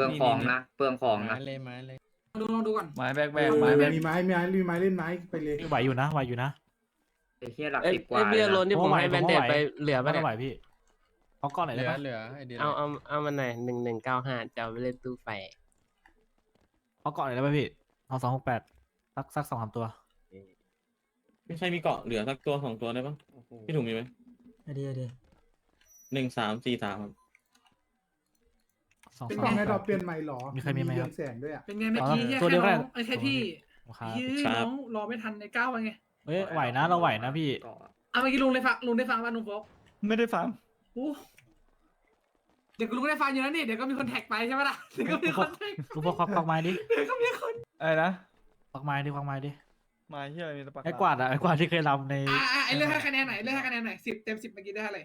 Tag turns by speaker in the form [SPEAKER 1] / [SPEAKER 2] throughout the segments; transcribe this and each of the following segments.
[SPEAKER 1] องของนะเปลืองของนะ
[SPEAKER 2] ไม้เลย
[SPEAKER 3] ลองดูก่อน
[SPEAKER 2] ไม้แบกไม้แบก
[SPEAKER 4] มีไม้เล่นไม้ไปเลย
[SPEAKER 5] ไหวอยู่นะไหวอยู่นะ
[SPEAKER 1] ไอ้เหี้ยหลัก
[SPEAKER 6] เอ้ย
[SPEAKER 1] 10 กว่า
[SPEAKER 6] เบียร์โรนที่ผม
[SPEAKER 5] ไหว
[SPEAKER 6] ให้แบนเดดไปเหลือ
[SPEAKER 5] ไม่
[SPEAKER 6] ปะเนี่ย
[SPEAKER 5] ไหวพี่เอาก้อนไหน
[SPEAKER 2] เหลื
[SPEAKER 5] ได้
[SPEAKER 2] อ
[SPEAKER 5] ปะ
[SPEAKER 2] เหลือไอเดีย
[SPEAKER 6] เอามันหน่อย1195จะเอาไปเล่นตู้ไฟ
[SPEAKER 5] เอาก้อนไหนได้ปะพี่เอา268สัก2-3ตัว
[SPEAKER 7] ไม่ใช่มีเกาะเหลือสักตัว2ตัวได้ปะพี่ถุงมีไหม
[SPEAKER 4] ดี
[SPEAKER 7] 1343ครับ
[SPEAKER 5] 2
[SPEAKER 4] เป็น
[SPEAKER 5] 2
[SPEAKER 4] กล่องให้เราเปลี่ยนใหม่หรอ
[SPEAKER 5] มีใครมีไหมครับ
[SPEAKER 4] เรืองแสงด้วยอ่ะ
[SPEAKER 3] เป็นไงเมื่อกี้เฮีย
[SPEAKER 5] ตัวเดี
[SPEAKER 3] แค่
[SPEAKER 5] ยวก็
[SPEAKER 3] น้
[SPEAKER 5] ได้
[SPEAKER 3] องไอ้แค่พี่
[SPEAKER 5] ครับ
[SPEAKER 3] ยื้อน้องรอไม่ทันในก้าวไง
[SPEAKER 5] เฮ้ยไหวนะเราไหวนะพี่
[SPEAKER 1] เกาะ
[SPEAKER 3] เอาเมื่อกี้ลุงได้ฟังป่ะลุงโฟก
[SPEAKER 2] ไม่ได้ฟัง
[SPEAKER 3] โอ้เดี๋ยวลุงได้ฟังอยู่แล้วนี่เดี๋ยวก็มีคนแท็กไปใช่ไหมล่ะเดี๋ยวก็มีคนแท็ก
[SPEAKER 5] ลูกพวกควักไม้ดิ
[SPEAKER 3] เดี๋ยวก็มีคน
[SPEAKER 2] อะไรนะ
[SPEAKER 5] ควักไม้ดิ
[SPEAKER 2] ไม้ที่อะไรมีตะปัก
[SPEAKER 5] ไอ้กวาดอะไอ้กวาดที่เคยรำใน
[SPEAKER 3] ไอ้เรื่องให้คะแนนไหน10 เต็ม 10เมื่อกี้ได้อะไร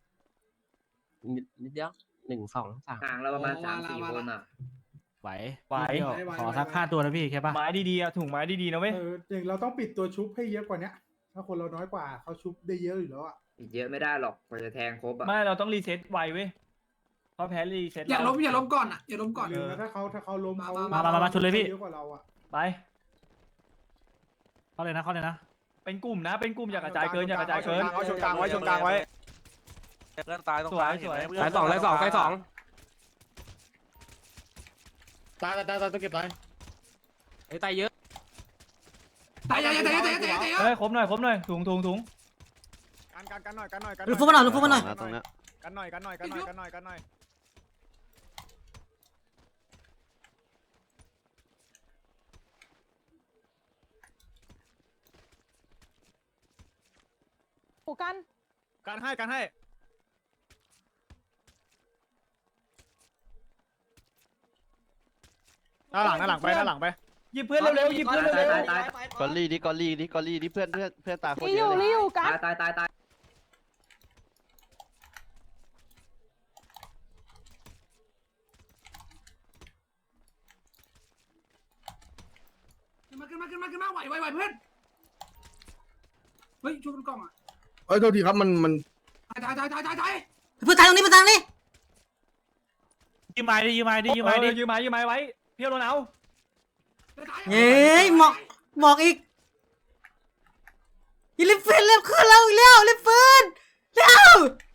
[SPEAKER 6] นิดเดียว1 2 3
[SPEAKER 1] ห่างเราประมาณ
[SPEAKER 3] โอ้ว่าละ
[SPEAKER 1] 3-4
[SPEAKER 3] ว่า
[SPEAKER 1] ค
[SPEAKER 3] ละ
[SPEAKER 1] นอ่ะ
[SPEAKER 5] ไหว
[SPEAKER 2] ไหว
[SPEAKER 5] ขอสัก5ตัวนะพี่แค่ปะ
[SPEAKER 2] ไม้ดีๆอะถุงไม้ดีๆนะเว้ย
[SPEAKER 4] อย่างเราต้องปิดตัวชุบให้เยอะกว่านี้ถ้าคนเราน้อยกว่าเขาชุบได้เยอะอยู่แล้วอ่ะ
[SPEAKER 1] อีกเยอะไม่ได้หรอกกว่าจะแทงครบอ่ะ
[SPEAKER 2] ไม่เราต้องรีเซ็ตไวเว้ยเพราะแพ้รีเซ็ต
[SPEAKER 3] อย่าล้มก่อนอ่ะอย่าล้มก่อน
[SPEAKER 4] ลืมนะถ้าเขาล้มเขา
[SPEAKER 5] มาชนเลยพี่
[SPEAKER 4] เยอะกว่าเราอ่ะ
[SPEAKER 2] ไป
[SPEAKER 5] เข้าเลยนะ
[SPEAKER 2] เป็นกลุ่มนะเป็นกลุ่มอย่ากระจายเกินอย่ากระจายเกิน
[SPEAKER 8] ชนกลางไว้
[SPEAKER 7] เพื่อนตายตรง
[SPEAKER 2] สวยสวย
[SPEAKER 6] สาย2สาย2สาย2
[SPEAKER 7] ตายต้องเก็บตาย
[SPEAKER 6] ไอ้ตายเยอะ
[SPEAKER 3] ตายเยอะ
[SPEAKER 2] เฮ้ยครบหน่อยถุง
[SPEAKER 8] กันหน่อย
[SPEAKER 4] ลูกฟุกมาหน่อย
[SPEAKER 8] ตรงนี้กันหน่อยกันให้ด้านหลังไป
[SPEAKER 2] หยิบเพื่อนเร็วๆหยิบเพื่อนเร็ว
[SPEAKER 1] ตาย
[SPEAKER 8] กอลลี่ดิเพื่อนตายคนเยอะเลย
[SPEAKER 1] ตาย
[SPEAKER 3] ขึ้นมาไหวเพื่อนเฮ้ยช่วยมันกล้องอ่ะ
[SPEAKER 8] เอ้ยโทษทีครับมัน
[SPEAKER 3] ตาย
[SPEAKER 4] เพื่อนตายตรงนี้
[SPEAKER 5] ยืมไม้ดิ
[SPEAKER 2] ยืมไม้ไว้เพี้ยวโดนเอา
[SPEAKER 4] เย้ยหมอกอีกยิลิฟฟินเริ่มขึ้นแล้วอีกแล้วลิฟฟินเร็ว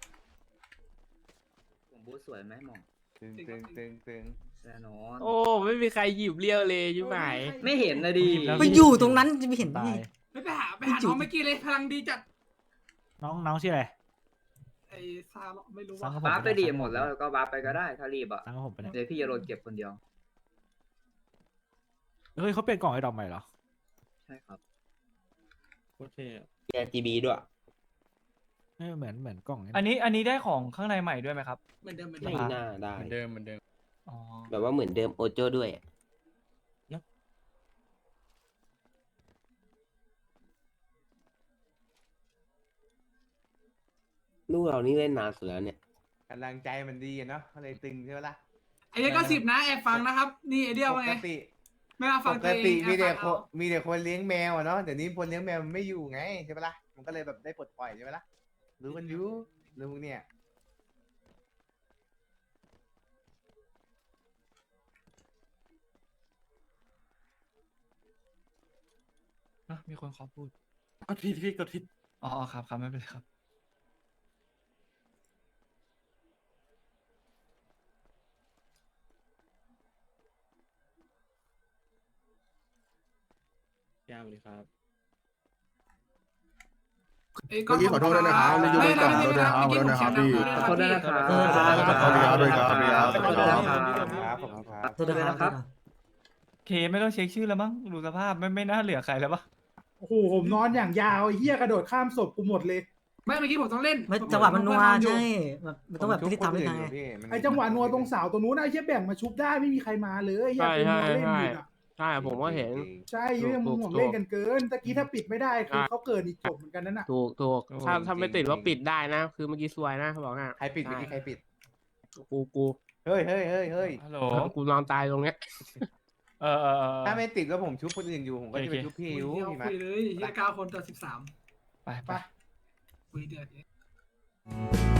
[SPEAKER 1] ผมบูทสวยไหมหมอง
[SPEAKER 8] ตึง
[SPEAKER 1] แน่นอน
[SPEAKER 6] โอ้ไม่มีใครหยิบเลี้ยวเลยใช่ไหม
[SPEAKER 1] ไม่เห็นนะดิ
[SPEAKER 4] ไปอยู่ตรงนั้นจะไม่เห็น
[SPEAKER 5] ตา
[SPEAKER 4] ไง
[SPEAKER 5] ย
[SPEAKER 3] ไปหาน้องเมื่อกี้เลยพลังดีจัด
[SPEAKER 5] น้องชื่ออะไร
[SPEAKER 3] ไอ้ซาลไม่รู้
[SPEAKER 5] สั่
[SPEAKER 3] ว่าง
[SPEAKER 5] กับ
[SPEAKER 1] วาร์ปไปดีหมดแล้วก็วาร์ปไปก็ได้ถ้ารีบอ่ะ
[SPEAKER 5] สั่งกับผมไปเนี่ย
[SPEAKER 1] เดี๋ยวพี่จะโดนเก็บคนเดียว
[SPEAKER 5] เฮ้ยเขาเปลี่ยนกล่องไอ้ดอกใหม่เหรอ
[SPEAKER 1] ใช่ครับ
[SPEAKER 7] โอเคอะ
[SPEAKER 1] RGB ด้วย
[SPEAKER 5] เหมือนกล่อง
[SPEAKER 2] อันนี้ได้ของข้างในใหม่ด้วยไหมครับ
[SPEAKER 3] เหมือนเดิม
[SPEAKER 6] ไม่น่าได้
[SPEAKER 2] เหมือนเดิมอ๋อ
[SPEAKER 6] แบบว่าเหมือนเดิมโอโจ้ด้วย ลูกเรานี่เล่นนานสุดแล้วเนี่ย
[SPEAKER 8] กำลังใจมันดีเนาะเลยตึงใช่ไหมล่ะ
[SPEAKER 3] ไอ้เนี้ยก็10นะแอบฟังนะครับนี่ไอเดียวว่าไงไม่มาฟังตัวเอง
[SPEAKER 8] มีแต่คนเลี้ยงแมวเนาะเดี๋ยวนี้คนเลี้ยงแมวมันไม่อยู่ไงใช่ปะล่ะมันก็เลยแบบได้ปลดปล่อยใช่ไหมล่ะรู้กันอยู่รู้เนี่ย
[SPEAKER 2] มีคนขอพูด
[SPEAKER 7] กดผิด
[SPEAKER 2] อ๋อครับไม่เป็นไรครับ
[SPEAKER 7] ยาวเลยครับ
[SPEAKER 3] เมื่อกี้ขอโทษด้วยนะครับไม่ยุ่งก่อนขอโทษนะครับพี่
[SPEAKER 1] ขอโทษด้วยนะครับ
[SPEAKER 8] ขอบคุณครับด้วยครับ
[SPEAKER 1] ขอโทษนะครับ
[SPEAKER 8] ครับผมครับ
[SPEAKER 4] โทษนะครับ
[SPEAKER 2] เคไม่ต้องเช็คชื่อแล้วมั้งดูสภาพไม่น่าเหลือใครแล้วปะ
[SPEAKER 4] โอ้โหผมนอนอย่างยาวไอ้เหี้ยกระโดดข้ามศพกูหมดเลย
[SPEAKER 3] ไม่เมื่อกี้ผมต้องเล่น
[SPEAKER 4] ไม่จังหวะมันนัวใช่แบบมันต้องแบบพิธีตามด้วยไงไอ้จังหวะนัวตรงเสาตรงนู้นไอ้เหี้ยแบ่งมาชุบได้ไม่มีใครมาเลยไอ้เหี้ยเป็นนัวเล่นอยู่อ่ะ
[SPEAKER 6] ใช่ผมก็เห็น
[SPEAKER 4] ใช่ยังมึงห่วงเล่นกันเกินตะกี้ถ้าปิดไม่ได้คือเขาเกิดอีกจบเหมือนกันนั่นน่ะ
[SPEAKER 6] ถูกถ้าไม่ติดว่าปิดได้นะ คือเมื่อกี้ซวยนะเขาบอกนะ
[SPEAKER 8] ใครปิดเมื่อกี้ใครปิด
[SPEAKER 6] กู
[SPEAKER 8] เฮ้ย
[SPEAKER 2] ฮัลโหล
[SPEAKER 6] กูนอนตายตรงเนี้ย
[SPEAKER 2] เออ
[SPEAKER 8] ถ้าไม่ติดแล้วผมชุบคนอื่นอยู่ผมก็จะไปชุบพี่ยู
[SPEAKER 3] คุย
[SPEAKER 8] พี่มา
[SPEAKER 3] เลยเฮีย9 คนต่อ 13
[SPEAKER 2] ไป
[SPEAKER 3] คุยเดือด